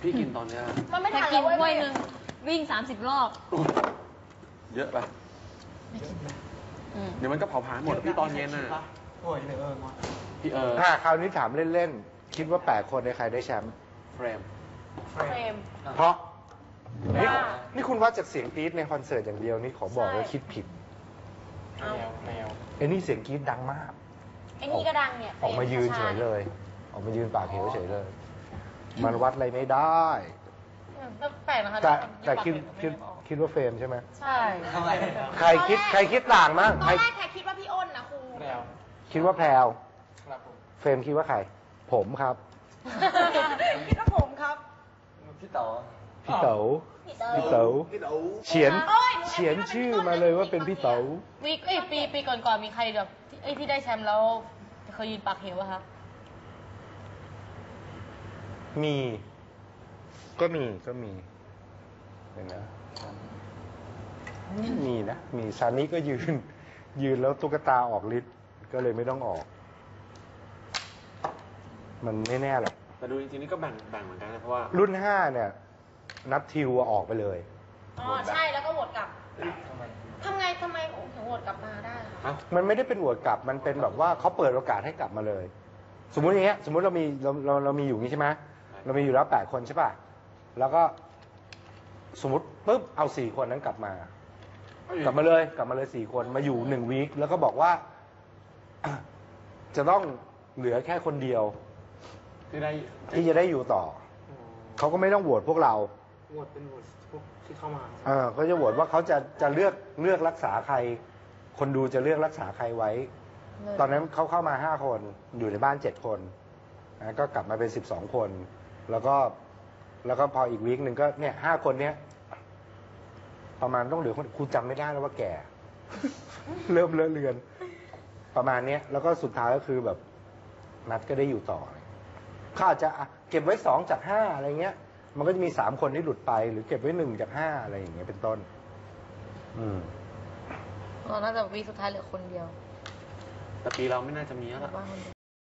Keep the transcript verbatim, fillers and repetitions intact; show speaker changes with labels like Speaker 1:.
Speaker 1: พี่กินตอนเนี้ย
Speaker 2: มันไม่
Speaker 3: แค่
Speaker 2: ทัน
Speaker 3: กิ
Speaker 2: แล้วเว้ย
Speaker 3: นถ้วยหนึ่งวิ่งสามสิบรอบ
Speaker 1: เยอะไป
Speaker 3: อืม
Speaker 1: เดี๋ยวมันก็เผาผลาญหมดพี่ตอนเย็นน่ะ
Speaker 4: โอ้ยเออ
Speaker 1: พี่เออ
Speaker 5: อ่าคราวนี้ถามเล่นๆ คิดว่าแปดคนในใครได้แชมป์
Speaker 1: เฟรม
Speaker 2: เฟรม
Speaker 5: เพราะนี่
Speaker 2: ว่า
Speaker 5: นี่คุณว่าจากเสียงกรี๊ดในคอนเสิร์ตอย่างเดียวนี่ขอบอกว่าคิดผิด
Speaker 2: เอา
Speaker 4: แมว
Speaker 5: ไอ้นี่เสียงกรี๊ดดังมาก
Speaker 2: ไอ้นี่ก็ดังเนี่ย
Speaker 5: ออกมายืนเฉยเลย ออกมายืนปากเหวเฉยเลย มันวัดอะไรไม่ได้
Speaker 3: แปลกนะคะ
Speaker 5: แต่แต่คิดคิดคิดว่าเฟรมใช่ไหม
Speaker 3: ใช่
Speaker 4: ทำไม
Speaker 5: ใครคิดใครคิดต่างมั้ง
Speaker 2: ต
Speaker 5: ใค
Speaker 2: อ
Speaker 5: ร
Speaker 2: นแรกแค่คิดว่าพี่อ้นนะครู
Speaker 4: แมว
Speaker 5: คิดว่าแพรว
Speaker 4: ครับผม
Speaker 5: เฟรมคิดว่าใคร ผมครับ
Speaker 2: คิดว่าผมครับ
Speaker 4: พี่เต๋อ
Speaker 5: พี่เต๋อ
Speaker 2: พี่เต๋อ
Speaker 5: พี่เต๋อ
Speaker 1: พี่เต๋อ
Speaker 5: เขียน
Speaker 2: โอ้ยหนู
Speaker 5: เขียนชื่อมาเลยว่าเป็นพี่เต๋อ
Speaker 3: วีคเอ้ยปีปีก่อนๆมีใครแบบที่เอ้ยที่ได้แชมป์แล้วเคยยืนปากเหวอะคะ
Speaker 5: มี ก็มีก็มีเห็นนะมีนะ มีซานิก็ยืน ยืนแล้วตุ๊กตาออกฤทธิ์ก็เลยไม่ต้องออก มันไม่แน่หรอก
Speaker 1: แต่ดูจริงๆนี่ก็แบ่งแบ่งเหมือนกันนะเพราะว่า
Speaker 5: รุ่นห้าเนี่ย นับทิวออกไปเลย
Speaker 2: อ๋อใช่แล้วก็โหวตกลับ
Speaker 4: ทำไม
Speaker 2: ทำไงทำไมถึงโหวตกลับมาได้คะ
Speaker 1: เอ้า
Speaker 5: มันไม่ได้เป็นอวดกลับ มันเป็นแบบว่าเขาเปิดโอกาสให้กลับมาเลย สมมุติอย่างเงี้ย สมมุติเรามีเราเราเรามีอยู่นี้ใช่ไหมเรามีอยู่แล้วแปดคนใช่ป่ะ แล้วก็ สมมติปุ๊บเอาสี่คนนั้นกลับมา กลับมาเลย กลับมาเลยสี่คนมาอยู่หนึ่งวีคแล้วก็บอกว่า จะต้องเหลือแค่คนเดียว
Speaker 1: ที่ได้
Speaker 5: ที่จะได้อยู่ต่อ เขาก็ไม่ต้องโหวตพวกเรา
Speaker 4: โหวตเป็นโหวตพวกที่เข้ามา
Speaker 5: เออเขาจะโหวตว่าเขาจะจะเลือกเลือกรักษาใคร คนดูจะเลือกรักษาใครไว้ ตอนนั้นเขาเข้ามาห้าคนอยู่ในบ้านเจ็ดคนนะก็กลับมาเป็นสิบสองคน แล้วก็ แล้วก็พออีกวีคหนึ่งก็เนี่ยห้าคนเนี้ยประมาณต้องเหลือคนครูจำไม่ได้แล้วว่าแก่ เริ่มเลอะเลือน ประมาณเนี้ยแล้วก็สุดท้ายก็คือแบบ นัดก็ได้อยู่ต่อเขาอาจจะอ่ะเก็บไว้สองจากห้าอะไรเงี้ย มันก็จะมีสามคนที่หลุดไป หรือเก็บไว้หนึ่งจากห้าอะไรอย่างเงี้ยเป็นต้น อืม
Speaker 3: อ๋อน่าจะวีคสุดท้ายเหลือคนเดียว
Speaker 1: แต่ปีเราไม่น่าจะมีแล้วล่ะ
Speaker 3: บ้านคนเดียว